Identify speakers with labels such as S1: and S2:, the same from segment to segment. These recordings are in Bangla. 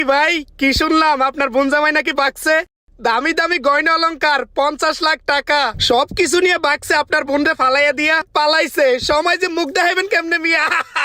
S1: ভাই কি শুনলাম আপনার বোন জামাই নাকি বাকছে দামি দামি গয়না অলংকার 50 লাখ টাকা সবকিছু নিয়ে বাকছে আপনার বোনরে ফালাইয়া দিয়া পালাইছে সময় যে মুখ দেখাইবেন কেমনে মিয়া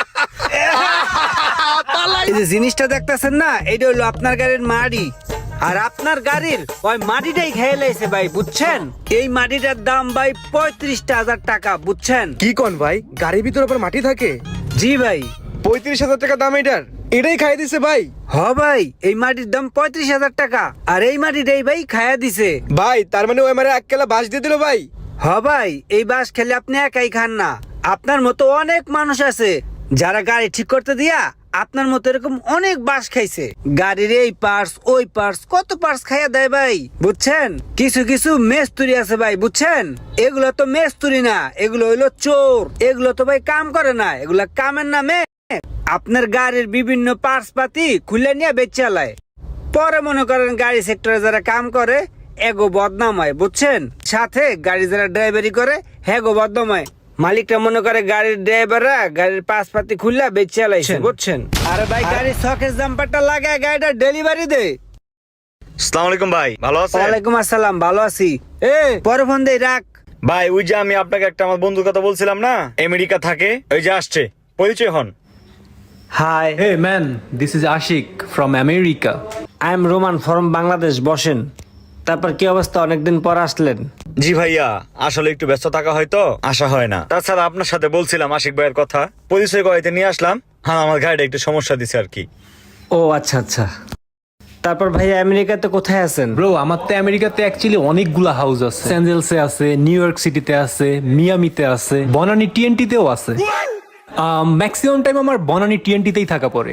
S1: পালাই
S2: এই যে জিনিসটা দেখতেছেন না, এটা হলো আপনার গাড়ির মাটি। আর আপনার গাড়ির ওই মাটিটাই খেয়ে লাইছে ভাই, বুঝছেন? এই মাটিটার দাম ভাই 35,000 টাকা, বুঝছেন?
S3: কি কোন ভাই, গাড়ির ভিতর আবার মাটি থাকে?
S2: জি ভাই।
S3: 35,000 টাকা দাম এটাই খাই দিছে ভাই।
S2: হ ভাই, এই মাটির দাম 35,000 টাকা, আর এই মাটিটাই ভাই খায়া দিছে
S3: ভাই। তার মানে ওই আমার এক কেলা বাস দিয়ে দিল ভাই।
S2: হ ভাই, এই বাস খেলে আপনি একাই খান না, আপনার মতো অনেক মানুষ আছে যারা গাড়ি ঠিক করতে দিয়া আপনার মতো এরকম অনেক বাস খাইছে। গাড়ির এই পার্টস ওই পার্টস কত পার্টস খাইয়া দেয় ভাই, বুঝছেন? কিছু কিছু মেস্তুরি আছে ভাই, বুঝছেন? এগুলো তো মেস্তুরি না, এগুলো হইলো চোর। এগুলো তো ভাই কাম করে না, এগুলা কামের নামে আপনার গাড়ির বিভিন্ন পার্টস পাতি খুলে নিয়ে বেচালায়। পরে মনে করেন গাড়ি সেক্টরে যারা কাম করে এগো বদনাম হয়, বুঝছেন? সাথে গাড়ি যারা ড্রাইভারি করে হেগো বদনাম হয়। মালিকটা মনে করে গাড়ির ড্রাইভাররা গাড়ির পাশ পাতি খুললা বেচে লাইছে, বুঝছেন? আরে ভাই গাড়ির শকেস জাম্পারটা লাগায় গাড়িটা ডেলিভারি দে।
S4: আসসালামু আলাইকুম ভাই, ভালো আছেন?
S2: ওয়ালাইকুম আসসালাম, ভালো আছি। পরে ফোন দেই, রাখ।
S4: ভাই ওই যে আমি আপনাকে একটা আমার বন্ধুর কথা বলছিলাম না, আমেরিকা থাকে, ওই যে আসছে, পরিচয় হন।
S2: Hi,
S5: Hey man, this is Ashik from America.
S2: I am Roman from Bangladesh. বসেন। তারপর কি অবস্থা, অনেকদিন পর আসলেন?
S4: জি ভাইয়া, আসলে একটু ব্যস্ত থাকা হয়তো আসা হয় না। তাছাড়া আপনার সাথে বলছিলাম আশিক ভাইয়ের কথা, পরিচয় করাইতে নিয়ে আসলাম। হ্যাঁ, আমার গাড়িটা একটু সমস্যা দিছে আর কি।
S2: ও আচ্ছা আচ্ছা। তারপর ভাই আমেরিকাতে কোথায় আছেন?
S5: Bro, আমার তো আমেরিকাতে অ্যাকচুয়ালি অনেকগুলা হাউস আছে। লস অ্যাঞ্জেলসে আছে, নিউ ইয়র্ক সিটিতে আছে, মিয়ামিতে আছে, বনানি টিএনটিতেও আছে। ম্যাক্সিমাম টাইম আমার বনানি টিএনটিতেই থাকা পড়ে।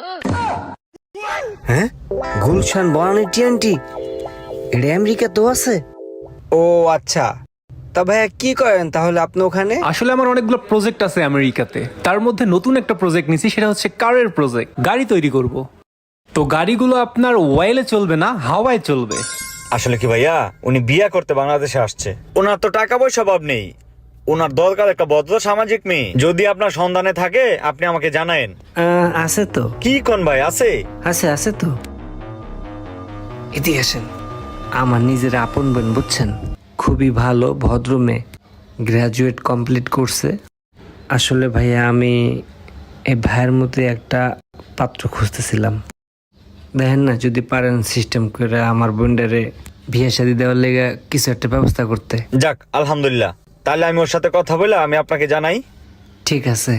S2: হ্যাঁ, গুলশান বনানী টিএনটি এটা আমেরিকাতেও আছে? ও আচ্ছা। তা ভাইয়া কি করেন তাহলে আপনি ওখানে?
S5: আসলে আমার অনেকগুলো প্রজেক্ট আছে আমেরিকাতে, তার মধ্যে নতুন একটা প্রজেক্ট নিছি, সেটা হচ্ছে কারের প্রজেক্ট। গাড়ি তৈরি করব। তো গাড়িগুলো আপনার ওয়েলে চলবে না, হাওয়ায় চলবে।
S4: আসলে কি ভাইয়া, উনি বিয়ে করতে বাংলাদেশে আসছে। ওনার তো টাকা পয়সা অভাব নেই, ওনার দরকার একটা ভদ্র সামাজিক মেয়ে। যদি আপনার সন্ধানে থাকে আপনি আমাকে জানায়েন।
S2: আছে তো।
S4: কি কোন ভাই, আছে?
S2: আছে তো। এদিকে আসেন। আমার নিজের আপন বোন, বুঝছেন? খুবই ভালো ভদ্র মেয়ে, গ্রাজুয়েট কমপ্লিট করছে। আসলে ভাইয়া আমি এই ভাইয়ের মধ্যে একটা পাত্র খুঁজতেছিলাম। দেখেন না, যদি পারেন সিস্টেম করে আমার বোনডারে বিয়ে শাদী দেওয়ার লেগে কিছু একটা ব্যবস্থা করতে।
S4: যাক, আলহামদুলিল্লাহ। তাহলে আমি ওর সাথে কথা বলে আমি আপনাকে জানাই।
S2: ঠিক আছে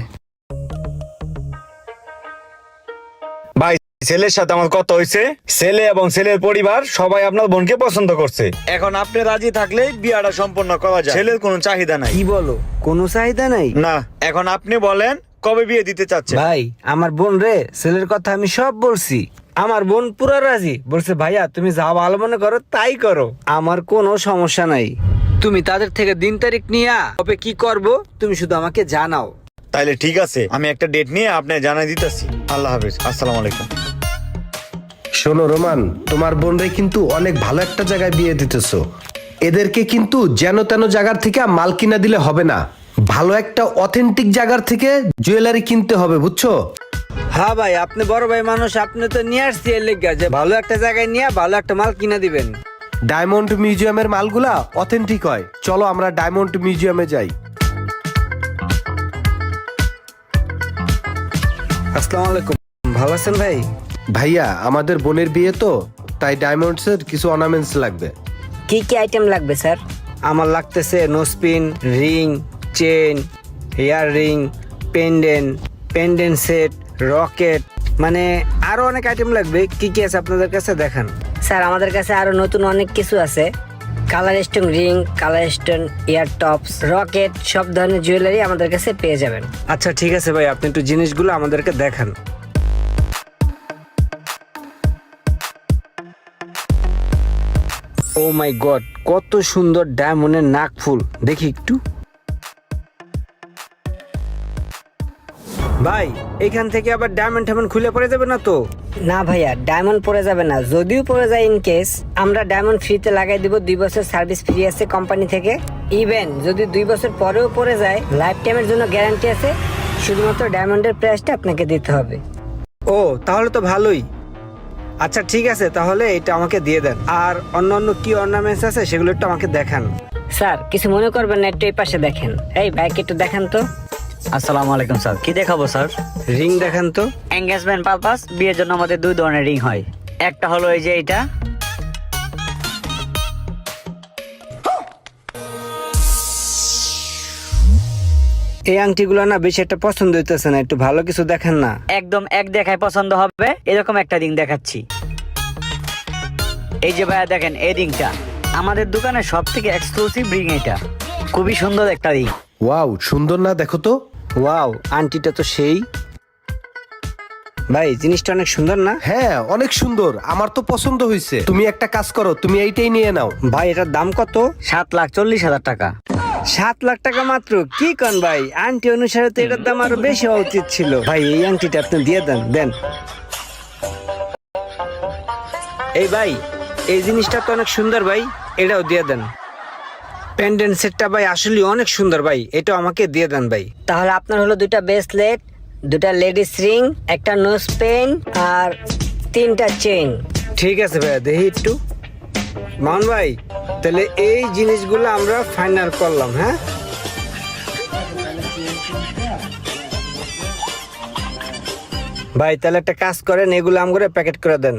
S4: ভাই, ছেলের সাথে আমার কথা হয়েছে, ছেলে এবং ছেলের পরিবার সবাই আপনার বোনকে পছন্দ করছে। এখন আপনি রাজি থাকলে বিয়াটা সম্পন্ন করা যায়। ছেলের কোনো চাহিদা নাই।
S2: কি বলো, কোনো চাহিদা নাই?
S4: না, এখন আপনি বলেন কবে বিয়ে দিতে চাচ্ছেন?
S2: ভাই আমার বোন রে ছেলের কথা আমি সব বলছি, আমার বোন পুরো রাজি। বলছে ভাইয়া তুমি যা ভালো মনে করো তাই করো, আমার কোনো সমস্যা নাই। তুমি তাদের থেকে দিন তারিখ নিয়ে কবে কি করব তুমি শুধু আমাকে জানাও।
S4: তাইলে ঠিক আছে, আমি একটা ডেট নিয়ে আপনাকে জানাই দিতেছি। আল্লাহ হাফেজ, আসসালামু আলাইকুম।
S6: শোনো রোমান, তোমার বোনরে কিন্তু অনেক ভালো একটা জায়গায় বিয়ে দিতেছো। এদেরকে কিন্তু যেন তেন জায়গার থেকে মাল কিনা দিলে হবে না, ভালো একটা অথেন্টিক জায়গার থেকে জুয়েলারি কিনতে হবে, বুঝছো?
S2: হ্যাঁ ভাই, আপনি বড় ভাই মানুষ, আপনি তো নিয়ে আসছি এর লেগে যে ভালো একটা জায়গায় নিয়ে ভালো একটা মাল কিনা দিবেন।
S6: ডায়মন্ড মিউজিয়ামের মালগুলা অথেন্টিক হয়, চলো আমরা ডায়মন্ড মিউজিয়ামে যাই।
S2: আসসালামু আলাইকুম, ভালো আছেন ভাই?
S6: ভাইয়া আমাদের বোনের বিয়ে তো, তাই ডায়মন্ডসের কিছু অর্নামেন্টস লাগবে।
S7: কি কি আইটেম লাগবে স্যার?
S2: আমার লাগতেছে nose pin, ring, chain, hair ring, pendant set, locket, মানে আরো অনেক আইটেম লাগবে। কি কি আছে আপনাদের কাছে দেখান।
S7: স্যার আমাদের কাছে আরো নতুন অনেক কিছু আছে। Colour stone ring, colour stone ear tops, locket, সব ধরনের জুয়েলারি আমাদের কাছে পেয়ে যাবেন।
S2: আচ্ছা ঠিক আছে ভাই, আপনি একটু জিনিসগুলো আমাদেরকে দেখান। ও মাই গড, কত সুন্দর ডায়মন্ডের নাকফুল, দেখি একটু। ভাই এখান থেকে আবার ডায়মন্ড খুলে পড়ে যাবে না তো?
S7: না ভাইয়া, ডায়মন্ড পড়ে যাবে না। যদিও পড়ে যায় ইন কেস, আমরা ডায়মন্ড ফ্রিতে লাগাই দিব। 2 বছর সার্ভিস ফ্রি আছে কোম্পানি থেকে। ইভেন যদি 2 বছর পরেও পড়ে যায়, লাইফ টাইমের জন্য গ্যারান্টি আছে। শুধুমাত্র ডায়মন্ডের প্রাইসটা আপনাকে দিতে হবে।
S2: ও তাহলে তো ভালোই। আচ্ছা ঠিক আছে, তাহলে এটা আমাকে দিয়ে দেন। আর অন্যান্য কি অর্নামেন্টস আছে সেগুলো একটু আমাকে দেখান।
S7: স্যার কিছু মনে করবেন না, একটু এই পাশে দেখেন। এই ভাইকে একটু দেখান তো।
S8: আসসালামু আলাইকুম স্যার, কি দেখাবো স্যার?
S2: রিং দেখান তো।
S8: এঙ্গেজমেন্ট পারপাস, বিয়ের জন্য আমাদের দুই ধরনের রিং হয়। একটা হলো এই যে এটা,
S2: এই আংটিগুলো না বেশি একটা পছন্দ হইতেছে না, একটু ভালো কিছু দেখেন না।
S8: একদম এক দেখায় পছন্দ হবে এরকম একটা রিং দেখাচ্ছি। এই যে ভাইয়া দেখেন, এই রিংটা আমাদের দোকানে সব থেকে এক্সক্লুসিভ রিং। এটা খুবই সুন্দর একটা রিং।
S6: ওয়াও, সুন্দর না? দেখো তো।
S2: ওয়াও, আংটিটা তো সেই। ভাই জিনিসটা অনেক সুন্দর না?
S6: হ্যাঁ, অনেক সুন্দর, আমার তো পছন্দ হয়েছে। তুমি একটা কাজ করো, তুমি এইটাই নিয়ে নাও।
S2: ভাই এটার দাম কত?
S8: 7,40,000 টাকা।
S2: 7 লাখ টাকা মাত্র? কি কন ভাই, আংটি অনুসারে তো এটার দাম আরো বেশি হওয়া উচিত ছিল। ভাই এই আংটিটা আপনি দিয়ে দেন, দেন। এই ভাই, এই জিনিসটা তো অনেক সুন্দর ভাই, এটাও দিয়ে দেন। পেন্ডেন্ট সেটটা ভাই আসলে অনেক সুন্দর ভাই, এটাও আমাকে দিয়ে দেন ভাই।
S7: তাহলে আপনার হলো 2টা ব্রেসলেট, 2টা লেডিস রিং, একটা নোজ পেন আর 3টা চেইন।
S2: ঠিক আছে ভাইয়া, দেখি একটু। মান ভাই, তাহলে এই জিনিসগুলো আমরা ফাইনাল করলাম। হ্যাঁ ভাই, তাহলে একটা কাজ করেন, এগুলো আমগরে প্যাকেট করে দেন।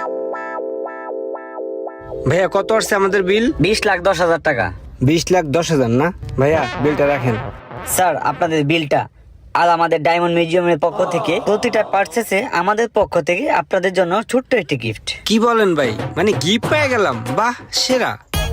S2: ভাইয়া কত আসছে আমাদের বিল?
S8: 20,10,000 টাকা।
S2: 20,10,000 না ভাইয়া, বিলটা রাখেন।
S8: স্যার আপনাদের বিলটা। আর আমাদের ডায়মন্ড মিউজিয়ামের পক্ষ থেকে প্রতিটা পার্চেসে আমাদের পক্ষ থেকে আপনাদের জন্য ছোট্ট একটি গিফট।
S2: কি বলেন ভাই, মানে গিফট পেয়ে গেলাম? বাহ, সেরা।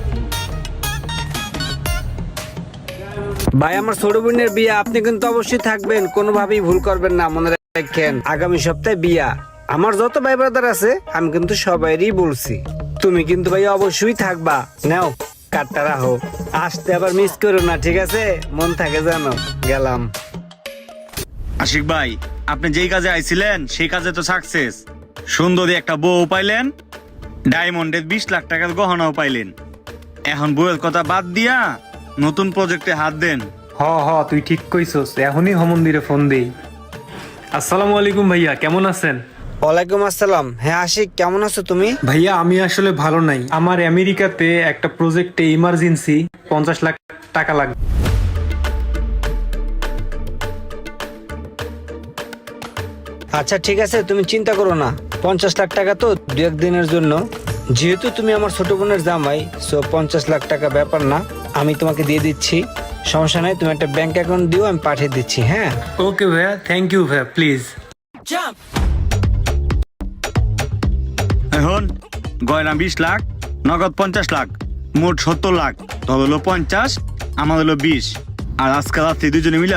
S2: ভাই আমার ছোট বোনের বিয়ে, আপনি কিন্তু অবশ্যই থাকবেন, কোনোভাবেই ভুল করবেন না, মনে রাখেন। আগামী সপ্তাহে বিয়া। আমার যত ভাই ব্রাদার আছে আমি কিন্তু সবাইরই বলছি, তুমি কিন্তু ভাই অবশ্যই থাকবা। নাও কার্ডটা রাখো, আসতে আবার মিস করো না, ঠিক আছে? মন থাকে জানো। গেলাম।
S4: আশিক ভাই, আপনি যেই কাজে আইছিলেন সেই কাজে তো সাকসেস। সুন্দরী একটা বউ পাইলেন, ডায়মন্ডের 20 লাখ টাকার গহনাও পাইলেন। এখন বউয়ের কথা বাদ দিয়া নতুন প্রজেক্টে হাত দেন।
S5: হ তুই ঠিক কইছস, এখনই মন্দিরে ফোন দেই। আসসালামু আলাইকুম ভাইয়া, কেমন আছেন?
S2: ওয়ালাইকুম আসসালাম। হ্যাঁ আশিক, কেমন আছো তুমি?
S5: ভাইয়া আমি আসলে ভালো নাই, আমার আমেরিকাতে একটা প্রজেক্টে ইমার্জেন্সি 50 লাখ টাকা লাগবে।
S2: আচ্ছা ঠিক আছে, তুমি চিন্তা করো না। 50 লাখ টাকা তো 2-1 দিনের জন্য, যেহেতু তুমি আমার ছোট বোনের জামাই, সো 50 লাখ টাকা ব্যাপার না, আমি তোমাকে দিয়ে দিচ্ছি। সমস্যা নাই, তুমি একটা ব্যাংক অ্যাকাউন্ট দিও, আমি পাঠিয়ে দিচ্ছি। হ্যাঁ
S5: ওকে ভাইয়া, থ্যাংক ইউ ভাইয়া, প্লিজ।
S4: এখন গয়না 20 লাখ, নগদ 50 লাখ, মোট 70 লাখ। তোর হলো 50, আমার হলো 20। আর আজকে রাত্রে দুজনে মিলা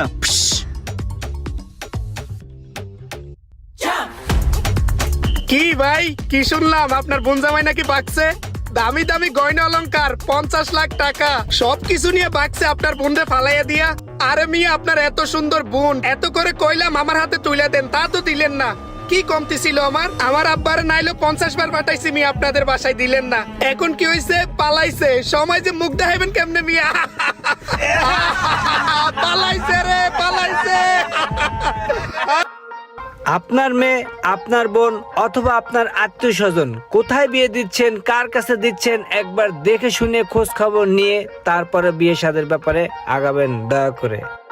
S1: কি ভাই, কি শুনলাম আপনার বোন জামাই নাকি বাকছে? দামি দামি গয়না অলংকার 50 লাখ টাকা সবকিছু নিয়ে বাকছে আপনার বোনরে ফালাইয়া দিয়া। আরে মিয়া, আপনার এত সুন্দর বোন, এত করে কইলাম আমার হাতে তুলে দেন, তা তো দিলেন না। কি কমতি ছিল আমার আব্বারে নাইলো 50 বার পাঠাইছি মিয়া, আপনাদের বাসায় দিলেন না। এখন কি হইছে? পালাইছে। সময় যে মুখ দেখাইবেন কেমনে মিয়া? পালাইছে রে, পালাইছে।
S2: আপনার মেয়ে, আপনার বোন অথবা আপনার আত্মীয় স্বজন কোথায় বিয়ে দিচ্ছেন, কার কাছে দিচ্ছেন, একবার দেখে শুনে খোঁজ খবর নিয়ে তারপরে বিয়ে শাদীর ব্যাপারে আগাবেন দয়া করে।